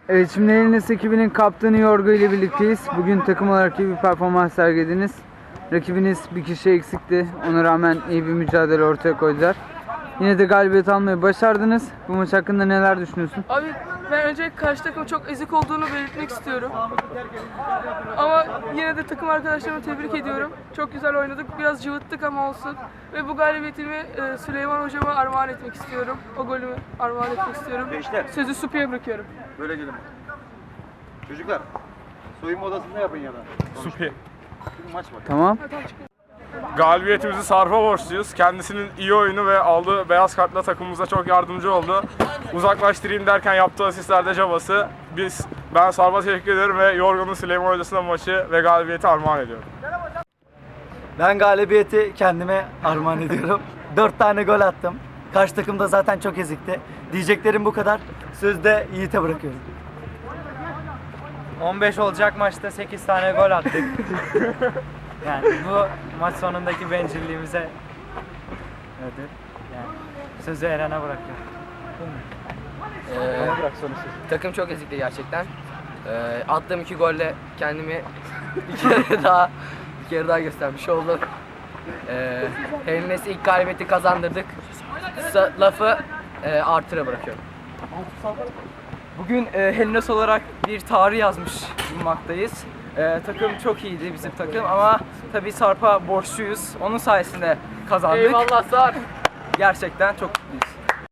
Evet, şimdi Helines ekibinin kaptanı Yorgo ile birlikteyiz. Bugün takım olarak iyi bir performans sergilediniz. Rakibiniz bir kişi eksikti. Ona rağmen iyi bir mücadele ortaya koydular. Yine de galibiyet almayı başardınız. Bu maç hakkında neler düşünüyorsun? Abi ben önce karşı takım çok ezik olduğunu belirtmek istiyorum. Ama yine de takım arkadaşlarımı tebrik ediyorum. Çok güzel oynadık. Biraz cıvıttık ama olsun. Ve bu galibiyetimi Süleyman hocama armağan etmek istiyorum. O golümü armağan etmek istiyorum. Gençler. Sözü Supi'ye bırakıyorum. Böyle gelin. Çocuklar, soyunma odasında yapın ya da. Supi. Maç var. Tamam. Galibiyetimizi Sarp'a borçluyuz. Kendisinin iyi oyunu ve aldığı beyaz kartla takımımıza çok yardımcı oldu. Uzaklaştırayım derken yaptığı asistlerde cabası. Ben Sarp'a teşekkür ederim ve Yorgun'un Süleyman Hocası'na maçı ve galibiyeti armağan ediyorum. Ben galibiyeti kendime armağan ediyorum. 4 tane gol attım. Karşı takım da zaten çok ezikti. Diyeceklerim bu kadar. Sözü de Yiğit'e bırakıyorum. 15 olacak maçta 8 tane gol attık. Yani bu maç sonundaki bencilliğimize ödül. Yani sözü Eren'e bırakıyorum. Takım çok ezikti gerçekten. Attığım 2 golle kendimi bir kere daha göstermiş oldum. Helines'e ilk galibiyeti kazandırdık. Lafı Arthur'a bırakıyorum. Bugün Helines olarak bir tarih yazmış bulunmaktayız. Takım çok iyiydi bizim takım ama tabii Sarp'a borçluyuz. Onun sayesinde kazandık. Eyvallah Sarp. Gerçekten çok mutluyuz.